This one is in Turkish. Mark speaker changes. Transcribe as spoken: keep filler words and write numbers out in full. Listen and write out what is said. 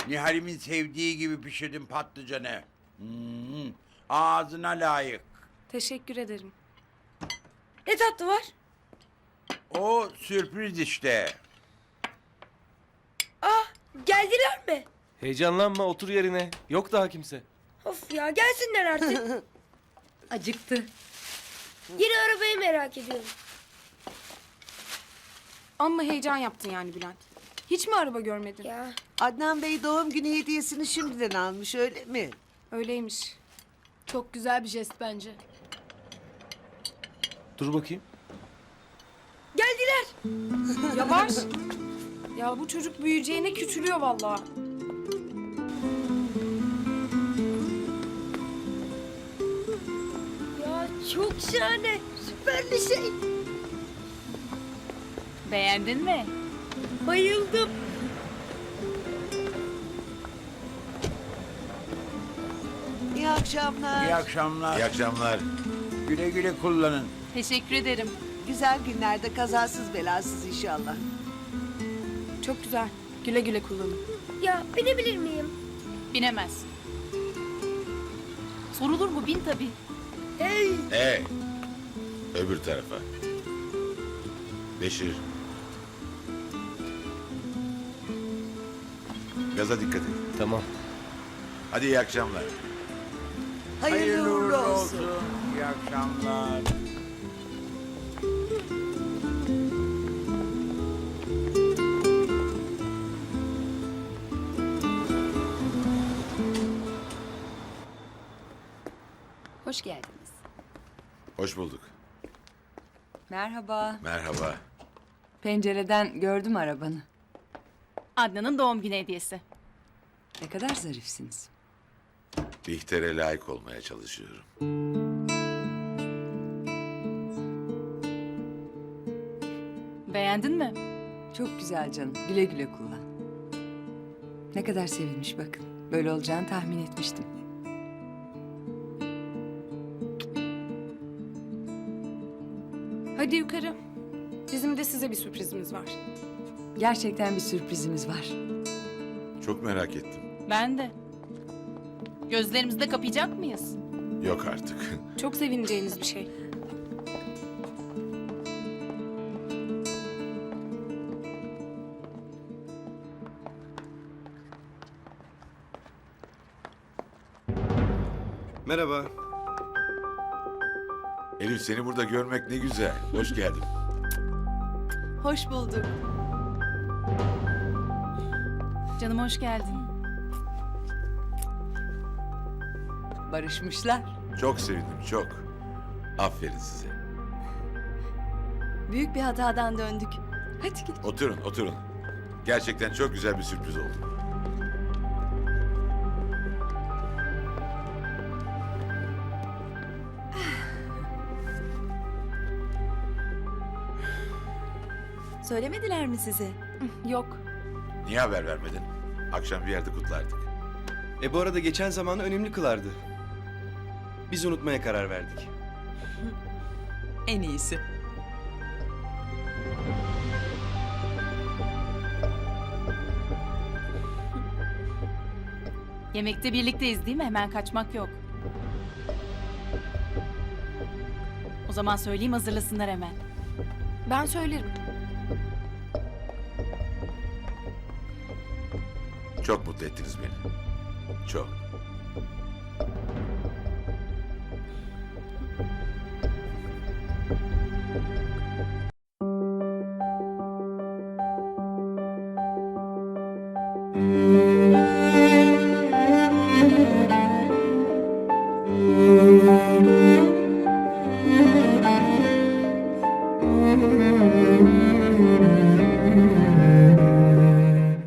Speaker 1: Nihal'imin sevdiği gibi pişirdim patlıcanı. Hmm, ağzına layık.
Speaker 2: Teşekkür ederim.
Speaker 3: Ne tatlı var?
Speaker 1: O sürpriz işte.
Speaker 3: Ah, geldiler mi?
Speaker 4: Heyecanlanma, otur yerine. Yok daha kimse.
Speaker 3: Of ya, gelsinler artık.
Speaker 5: Acıktı.
Speaker 3: Yeni arabayı merak ediyorum.
Speaker 2: Amma heyecan yaptın yani Bülent. Hiç mi araba görmedin?
Speaker 3: Ya
Speaker 6: Adnan Bey doğum günü hediyesini şimdiden almış, öyle mi?
Speaker 2: Öyleymiş.
Speaker 5: Çok güzel bir jest bence.
Speaker 4: Dur bakayım.
Speaker 3: geldiler.
Speaker 2: Yavaş. Ya bu çocuk büyüyeceğine küçülüyor vallahi.
Speaker 3: Ya çok şahane. Süper bir şey.
Speaker 5: Beğendin mi?
Speaker 3: Bayıldım.
Speaker 6: İyi akşamlar.
Speaker 1: İyi akşamlar.
Speaker 7: İyi akşamlar.
Speaker 1: Güle güle kullanın.
Speaker 5: Teşekkür ederim.
Speaker 6: Güzel günlerde kazasız belasız inşallah.
Speaker 2: Çok güzel. Güle güle kullanın.
Speaker 3: Ya binebilir miyim?
Speaker 5: Binemez. Sorulur mu? Bin tabii.
Speaker 3: Hey.
Speaker 7: Ee, öbür tarafa. Beşir. Gaza dikkat et.
Speaker 4: Tamam.
Speaker 7: Hadi iyi akşamlar.
Speaker 6: Hayırlı, uğurlu olsun.
Speaker 1: İyi akşamlar.
Speaker 8: Hoş geldiniz.
Speaker 7: Hoş bulduk.
Speaker 8: Merhaba.
Speaker 7: Merhaba.
Speaker 8: Pencereden gördüm arabanı.
Speaker 5: Adnan'ın doğum günü hediyesi.
Speaker 8: Ne kadar zarifsiniz.
Speaker 7: Bihter'e layık olmaya çalışıyorum.
Speaker 5: Beğendin mi?
Speaker 8: Çok güzel canım. Güle güle kullan. Ne kadar sevinmiş bakın. Böyle olacağını tahmin etmiştim.
Speaker 2: Hadi yukarı. Bizim de size bir sürprizimiz var.
Speaker 8: Gerçekten bir sürprizimiz var.
Speaker 7: Çok merak ettim.
Speaker 5: Ben de. Gözlerimizde kapayacak mıyız?
Speaker 7: Yok artık.
Speaker 2: Çok sevineceğiniz bir şey.
Speaker 4: Merhaba.
Speaker 7: Elif, seni burada görmek ne güzel. Hoş geldin.
Speaker 8: Hoş bulduk.
Speaker 5: Canım hoş geldin.
Speaker 8: Barışmışlar.
Speaker 7: Çok sevindim, çok. Aferin size.
Speaker 8: Büyük bir hatadan döndük. Hadi git.
Speaker 7: Oturun, oturun. Gerçekten çok güzel bir sürpriz oldu.
Speaker 8: Söylemediler mi size?
Speaker 2: Yok.
Speaker 7: Niye haber vermedin? Akşam bir yerde kutlardık.
Speaker 9: E bu arada geçen zamanı önemli kılardı. Biz unutmaya karar verdik.
Speaker 8: En iyisi.
Speaker 5: Yemekte birlikteyiz değil mi? Hemen kaçmak yok. O zaman söyleyeyim, hazırlasınlar hemen.
Speaker 2: Ben söylerim.
Speaker 7: Çok mutlu ettiniz beni. Çok.
Speaker 3: Müzik